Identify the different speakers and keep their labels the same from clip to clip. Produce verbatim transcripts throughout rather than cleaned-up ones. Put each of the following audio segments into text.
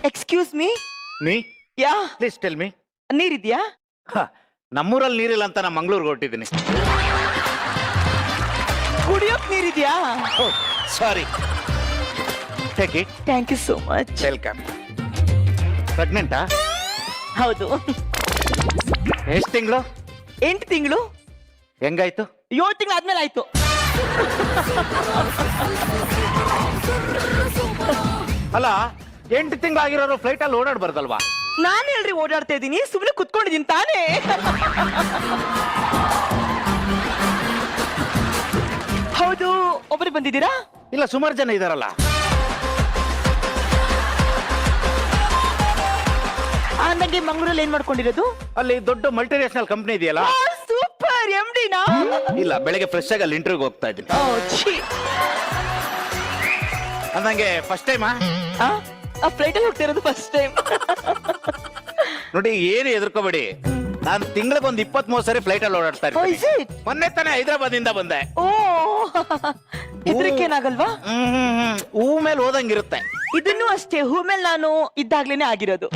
Speaker 1: Excuse me.
Speaker 2: ನೀ
Speaker 1: ಯಾ
Speaker 2: please tell me.
Speaker 1: ನೀರಿದ್ಯಾ?
Speaker 2: ನಮ್ಮೂರಲ್ಲಿ ನೀರಿಲ್ಲ ಅಂತ ನಾ ಮಂಗ್ಳೂರ್ಗೆ ಹೊರಟಿದ್ದೀನಿ.
Speaker 1: ಕುಡಿಯೋಕ್ ನೀರಿದ್ಯಾ?
Speaker 2: Sorry. Take it.
Speaker 1: Thank you so much.
Speaker 2: Welcome. ಪ್ರೆಗ್ನೆಂಟಾ?
Speaker 1: ಹೌದು.
Speaker 2: ಎಷ್ಟು ತಿಂಗಳು?
Speaker 1: ಎಂಟು ತಿಂಗಳು.
Speaker 2: ಹೆಂಗಾಯ್ತು?
Speaker 1: ಏಳು ತಿಂಗಳು ಆದ್ಮೇಲೆ ಆಯ್ತು.
Speaker 2: ಅಲ್ಲ, ಎಂಟು ತಿಂಗಳಾಗಿರೋರು ಫ್ಲೈಟ್ ಅಲ್ಲಿ ಓಡಾಡ್ಬಾರ್ದಲ್ವಾ?
Speaker 1: ನಾನು ಹೇಳ್ರಿ ಓಡಾಡ್ತಾ ಇದ್ದೀನಿ, ಸುಮ್ಮನೆ ಕುತ್ಕೊಂಡಿದ್ದೀನಿ ತಾನೇ. ಹೌದು, ಒಬ್ಬರು ಬಂದಿದ್ದೀರಾ?
Speaker 2: ಇಲ್ಲ, ಸುಮಾರು ಜನ ಇದಾರಲ್ಲ.
Speaker 1: ಅಂದಂಗೆ ಮಂಗಳೂರಲ್ಲಿ ಏನ್ ಮಾಡ್ಕೊಂಡಿರೋದು?
Speaker 2: ಅಲ್ಲಿ ದೊಡ್ಡ ಮಲ್ಟಿನ್ಯಾಷನಲ್ ಕಂಪ್ನಿ ಇದೆಯಲ್ಲ.
Speaker 1: ಸೂಪರ್. ಎಂ ಡಿನಾ?
Speaker 2: ಇಲ್ಲ, ಬೆಳಗ್ಗೆ ಫ್ರೆಶ್ ಆಗಿ ಅಲ್ಲಿ ಇಂಟರ್ವ್ಯೂಗೆ ಹೋಗ್ತಾ ಇದ್ದೀನಿ. ಅಂದಂಗೆ ಫಸ್ಟ್ ಟೈಮಾ?
Speaker 1: ಆ ಫ್ಲೈಟ್ ಅಲ್ಲಿ ಹೋಗ್ತಾ ಇರೋದು ಫಸ್ಟ್ ಟೈಮ್.
Speaker 2: ನೋಡಿ, ಏನು ಎದುರ್ಕೋಬೇಡಿ, ನಾನು ತಿಂಗಳಿಗೆ ಒಂದು ಇಪ್ಪತ್ತ್ ಮೂರು ಸರಿ ಫ್ಲೈಟ್ ಅಲ್ಲಿ ಓಡಾಡ್ತಾ ಇರ್ತೀನಿ. ಮೊನ್ನೆ ತಾನೇ ಹೈದರಾಬಾದ್ ಇಂದ ಬಂದೆ.
Speaker 1: ಓ, ಇದ್ರಕ್ಕೇನಾಗಲ್ವಾ?
Speaker 2: ಹ್ಮ್ ಹೂ ಮೇಲೆ ಓದಂಗಿರುತ್ತೆ.
Speaker 1: ಇದನ್ನು ಅಷ್ಟೇ, ಹೂ ಮೇಲೆ ನಾನು ಇದ್ದಾಗ್ಲೇನೆ ಆಗಿರೋದು.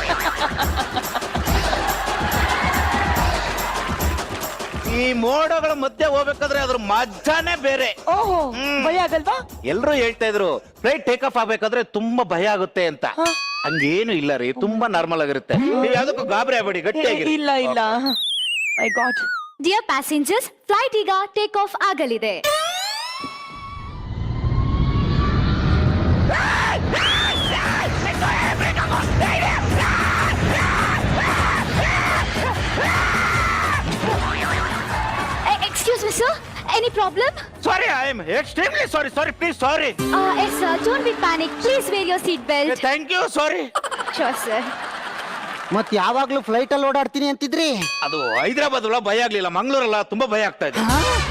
Speaker 2: ಈ ಮೋಡಗಳ ಮಧ್ಯೆ ಹೋಗ್ಬೇಕಾದ್ರೆ ಅದ್ರ ಮಜಾನೇ ಬೇರೆ.
Speaker 1: ಓಹೋ, ಭಯ ಆಗಲ್ವಾ?
Speaker 2: ಎಲ್ರು ಹೇಳ್ತಾ ಇದ್ರು ಫ್ಲೈಟ್ ಟೇಕ್ ಆಫ್ ಆಗ್ಬೇಕಾದ್ರೆ ತುಂಬಾ ಭಯ ಆಗುತ್ತೆ ಅಂತ. ಹಂಗೇನು ಇಲ್ಲ ರೀ, ತುಂಬಾ ನಾರ್ಮಲ್ ಆಗಿರುತ್ತೆ. ನೀವು ಯಾವ್ದಕ್ಕೂ ಗಾಬರಿ ಆಗ್ಬೇಡಿ, ಗಟ್ಟಿಯಾಗಿ.
Speaker 1: ಇಲ್ಲ ಇಲ್ಲ. My god.
Speaker 3: Dear passengers, flight ಈಗ ಟೇಕ್ ಆಫ್ ಆಗಲಿದೆ. Excuse me, sir. Any problem?
Speaker 2: Sorry, I am extremely sorry. Sorry, please, sorry.
Speaker 3: Uh, yes, sir. Don't be panic. Please wear your seat belt.
Speaker 2: Thank you, sorry.
Speaker 3: Sure, sir.
Speaker 4: ಮತ್ ಯಾವಾಗ್ಲೂ flight ಅಲ್ಲಿ ಓಡಾಡ್ತೀನಿ ಅಂತಿದ್ರಿ?
Speaker 2: ಅದು ಹೈದರಾಬಾದ್ ಒಳಗೆ ಭಯ ಆಗ್ಲಿಲ್ಲ, ಮಂಗಳೂರಲ್ಲ ತುಂಬಾ ಭಯ ಆಗ್ತಾ ಇದೆ.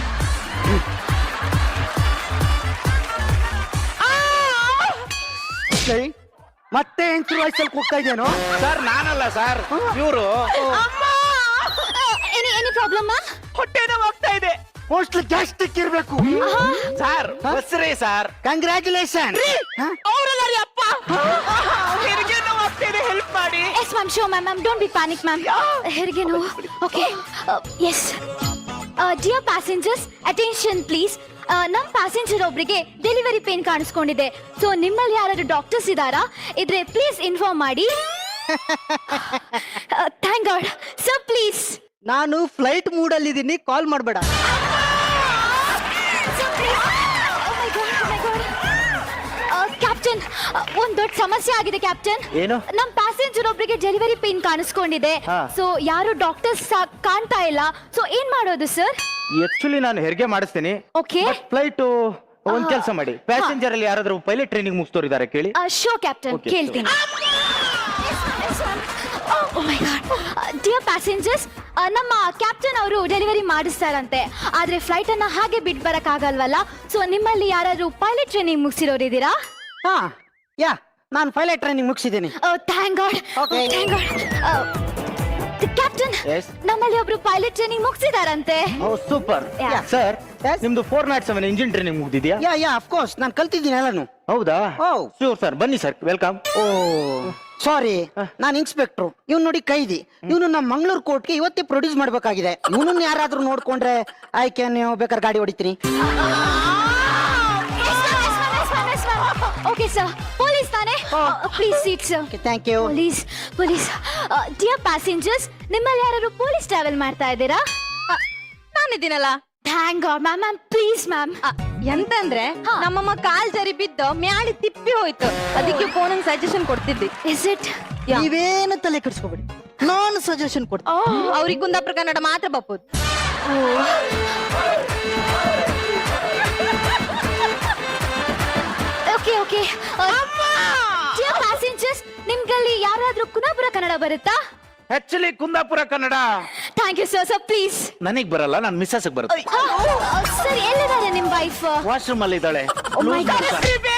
Speaker 4: ಮತ್ತೆ ಎಂಟ್ರು ವಯಸ್ಸಲ್ಲಿ ಕೂಗ್ತಾ ಇದ್ದೇನೋ?
Speaker 2: ಸರ್, ನಾನಲ್ಲ ಸರ್, ಇವರು.
Speaker 3: Any any problem, ma'am?
Speaker 1: ಹೊಟ್ಟೆ ನೋವಾಗ್ತಾ ಇದೆ.
Speaker 4: ಮೋಸ್ಟ್ಲಿ ಗ್ಯಾಸ್ಟ್ರಿಕ್ ಇರ್ಬೇಕು.
Speaker 2: ಸರ್, ಬಸ್ರಿ ಸರ್.
Speaker 4: ಕಂಗ್ರ್ಯಾಚುಲೇಷನ್.
Speaker 1: ಅವರಲ್ಲ ರೀ ಅಪ್ಪ. ಹೆರಿಗೆ ನೋವಾಗ್ತಾ ಇದೆ, ಹೆಲ್ಪ್ ಮಾಡಿ.
Speaker 3: Yes, ma'am. Sure, ma'am. Ma'am, don't be panic, ma'am. Herige no. Okay. Uh, yes. Uh, dear passengers, attention, please. ನಮ್ಮ ಪ್ಯಾಸೆಂಜರ್ ಒಬ್ಬರಿಗೆ ಡೆಲಿವರಿ ಪೇನ್ ಕಾಣಿಸ್ಕೊಂಡಿದೆ. ಸೊ ನಿಮ್ಮಲ್ಲಿ ಯಾರಾದ್ರೂ ಡಾಕ್ಟರ್ಸ್ ಇದ್ದಾರಾ? ಇದ್ರೆ ಪ್ಲೀಸ್ ಇನ್ಫಾರ್ಮ್ ಮಾಡಿ. Thank god. Sir please.
Speaker 4: ನಾನು ಫ್ಲೈಟ್ ಮೂಡ್ ಅಲ್ಲಿ ಇದ್ದೀನಿ, ಕಾಲ್ ಮಾಡಬೇಡ.
Speaker 3: ಕ್ಯಾಪ್ಟನ್, ಒಂದ್ ದೊಡ್ಡ ಸಮಸ್ಯೆ ಆಗಿದೆ ಕ್ಯಾಪ್ಟನ್.
Speaker 2: ಏನು?
Speaker 3: ನಮ್ ಪ್ಯಾಸೆಂಜರ್ ಒಬ್ಬರಿಗೆ ಡೆಲಿವರಿ ಪೇನ್ ಕಾಣಿಸ್ಕೊಂಡಿದೆ. ಸೊ ಯಾರು ಡಾಕ್ಟರ್ಸ್ ಕಾಣ್ತಾ ಇಲ್ಲ. ಸೊ ಏನ್ ಮಾಡೋದು ಸರ್?
Speaker 2: ಆಕ್ಚುಲಿ ನಾನು ಹೆರಿಗೆ ಮಾಡಿಸ್ತೀನಿ.
Speaker 3: ಓಕೆ.
Speaker 2: ಫ್ಲೈಟ್ ಒಂದ್ ಕೆಲಸ ಮಾಡಿ, ಪ್ಯಾಸೆಂಜರ್ ಅಲ್ಲಿ ಯಾರಾದ್ರೂ ಪೈಲಟ್ ಟ್ರೈನಿಂಗ್ ಮುಗಿಸ್ತೋರಿದ್ದಾರೆ ಕೇಳಿ.
Speaker 3: ಶೋ ಕ್ಯಾಪ್ಟನ್, ಕೇಳ್ತೀನಿ. ಡಿಯರ್ ಪ್ಯಾಸೆಂಜರ್ಸ್, ನಮ್ಮ ಕ್ಯಾಪ್ಟನ್ ಅವರು ಡೆಲಿವರಿ ಮಾಡಿಸ್ತಾರಂತೆ. ಆದ್ರೆ ಫ್ಲೈಟ್ ಅನ್ನ ಹಾಗೆ ಬಿಟ್ ಬರಕ್ ಆಗಲ್ವಲ್ಲ. ಸೊ ನಿಮ್ಮಲ್ಲಿ ಯಾರಾದ್ರೂ ಪೈಲಟ್ ಟ್ರೈನಿಂಗ್ ಮುಗಿಸಿರೋರು ಇದ್ದೀರಾ?
Speaker 4: ಹಾ, ಯಾ, ನಾನು ಪೈಲಟ್ ಟ್ರೈನಿಂಗ್ ಮುಗಿಸಿದ್ದೀನಿ.
Speaker 3: Thank god. Thank god. Captain, ನಮ್ಮಲ್ಲಿ ಒಬ್ರು ಪೈಲಟ್ ಟ್ರೈನಿಂಗ್ ಮುಗಿಸಿದಾರಂತೆ.
Speaker 2: Oh super. ಸರ್, ನಿಮ್ದು four naught seven engine training ಮುಗ್ದಿದ್ಯಾ?
Speaker 4: ಯಾ ಯಾ ಆಫ್ ಕೋರ್ಸ್, ನಾನು ಕಲ್ತಿದ್ದೀನಿ ಎಲ್ಲಾನು.
Speaker 2: ಹೌದಾ?
Speaker 4: ಓ
Speaker 2: ಶೂರ್ ಸರ್, ಬನ್ನಿ ಸರ್, ವೆಲ್ಕಮ್.
Speaker 4: ಓ ಸಾರಿ, ನಾನು ಇನ್ಸ್ಪೆಕ್ಟ್ರು, ಇವ್ನು ನೋಡಿ ಕೈದಿ. ಇವನು ನಮ್ಮ ಮಂಗಳೂರು ಕೋರ್ಟ್ಗೆ ಇವತ್ತೇ ಪ್ರೊಡ್ಯೂಸ್ ಮಾಡ್ಬೇಕಾಗಿದೆ. ಇವನನ್ನ ಯಾರಾದ್ರೂ ನೋಡ್ಕೊಂಡ್ರೆ ಆಯ್ಕೆ, ನೀವು ಬೇಕಾದ್ರೆ ಗಾಡಿ ಹೊಡಿತೀನಿ.
Speaker 3: ಓಕೆ ಸರ್, ಪೊಲೀಸ್ ತಾನೆ? Please seat sir.
Speaker 4: Thank you.
Speaker 3: Police police dear passengers, ನಿಮ್ಮಲ್ಲಿ ಯಾರು ಪೊಲೀಸ್ ಟ್ರಾವೆಲ್ ಮಾಡ್ತಾ ಇದ್ದೀರಾ?
Speaker 5: ನಾನಿದ್ದೀನಲ್ಲ.
Speaker 3: Thank god. Ma'am ma'am please ma'am.
Speaker 5: ಎಂತಂದ್ರೆ ನಮ್ಮಮ್ಮ ಕಾಲ್ ಜರಿ ಬಿದ್ದು ಮ್ಯಾಳಿ ತಿಪ್ಪಿ ಹೋಯ್ತು, ಅದಕ್ಕೆ ಫೋನ್ ಸಜೆಷನ್ ಕೊಡ್ತಿದ್ದಿ.
Speaker 3: Is it?
Speaker 4: ನೀವೇನು ತಲೆ ಕೆಡಿಸ್ಕೋಬೇಡಿ, ನಾನು ಸಜೆಷನ್ ಕೊಡ್ತೀನಿ.
Speaker 5: ಅವ್ರಿಗೆ ಕುಂದಾಪುರ ಕನ್ನಡ ಮಾತ್ರ ಬಪ್ಪುದು.
Speaker 3: Okay okay. ಡಿಯರ್ ಪ್ಯಾಸೆಂಜರ್ಸ್, ನಿಮ್ಗಲ್ಲಿ ಯಾರಾದ್ರೂ ಕುಂದಾಪುರ ಕನ್ನಡ ಬರುತ್ತಾ?
Speaker 2: Actually Kundapura Kannada.
Speaker 3: Thank you sir. Sir please.
Speaker 2: ನನಗ್ ಬರಲ್ಲ, ನನ್ನ ಮಿಸ್ಸಸ್ ಬರುತ್ತೆ.
Speaker 3: ಸರ್, ಎಲ್ಲಿದ್ದಾರೆ ನಿಮ್ ವೈಫ್?
Speaker 2: ವಾಶ್ರೂಮ್ ಅಲ್ಲಿ ಇದ್ದಾಳೆ.
Speaker 3: Oh my God.